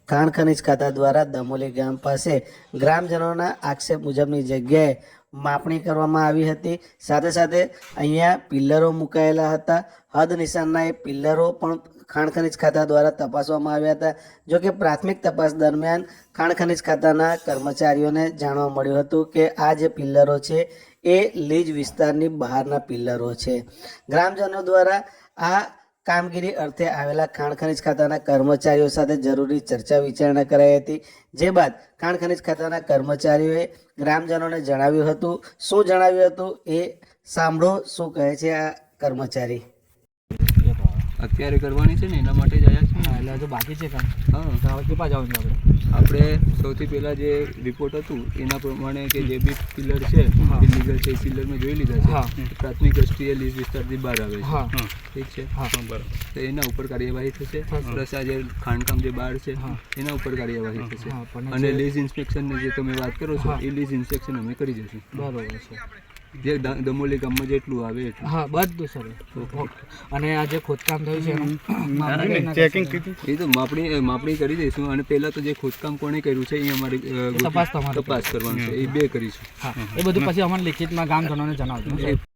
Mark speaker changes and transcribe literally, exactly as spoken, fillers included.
Speaker 1: ખાણ ખનિજ ખાતા દ્વારા દમોલી ગામ પાસે ગ્રામજનોના આક્ષેપ મુજબની જગ્યાએ માપણી કરવામાં આવી હતી। સાથે સાથે અહીંયા પિલ્લરો મુકાયેલા હતા। હદ નિશાનના એ પિલ્લરો પણ ખાણ ખનિજ ખાતા દ્વારા તપાસવામાં આવ્યા હતા। જો કે પ્રાથમિક તપાસ દરમિયાન ખાણ ખનિજ ખાતાના કર્મચારીઓને જાણવા મળ્યું હતું કે આ જે પિલ્લરો છે એ લીજ વિસ્તારની બહારના પિલ્લરો છે। ગ્રામજનો દ્વારા આ કામગીરી અર્થે આવેલા ખાણ ખનિજ ખાતાના કર્મચારીઓ સાથે જરૂરી ચર્ચા વિચારણા કરાઈ હતી। જે બાદ ખાણ ખનિજ ખાતાના કર્મચારીઓએ ગ્રામજનોને જણાવ્યું હતું। શું જણાવ્યું હતું એ સાંભળો, શું કહે છે આ કર્મચારી।
Speaker 2: અત્યારે કરવાની છે ને એના માટે જ આવ્યા છે।
Speaker 3: હા, એટલે હજુ બાકી છે કામ।
Speaker 2: હા,
Speaker 3: તો હવે કેટલા જવાનું છે આપણે?
Speaker 2: આપણે સૌથી પહેલા જે રિપોર્ટ હતું એના પ્રમાણે કે જે બી પિલર છે ઇલીગલ છે એ પિલર મેં જોઈ લીધા છે। પ્રાથમિક દ્રષ્ટિએ લીઝ વિસ્તારથી બહાર આવે છે, ઠીક છે। હા, બરાબર। તો એના ઉપર કાર્યવાહી થશે, પ્લસ આ જે ખાણકામ જે બહાર છે એના ઉપર કાર્યવાહી થશે। અને લીઝ ઇન્સ્પેક્શનની જે તમે વાત કરો છો એ લીઝ ઇન્સ્પેક્શન અમે કરી દઈશું।
Speaker 3: બરોબર છે,
Speaker 2: જે દમોલી ગામમાં જેટલું આવે એટલું।
Speaker 3: હા, બધું સર। અને આ જે ખોદકામ થયું છે એનું ચેકિંગ
Speaker 2: એ તો માપણી માપણી કરી દઈશું। અને પહેલા તો જે ખોદકામ કોણે કર્યું છે એ અમારી
Speaker 3: તપાસ તમારી
Speaker 2: તપાસ કરવાનું છે, એ બે કરીશું।
Speaker 3: હા, એ બધું પછી અમને લિખિતમાં ગામજનોને જણાવજો।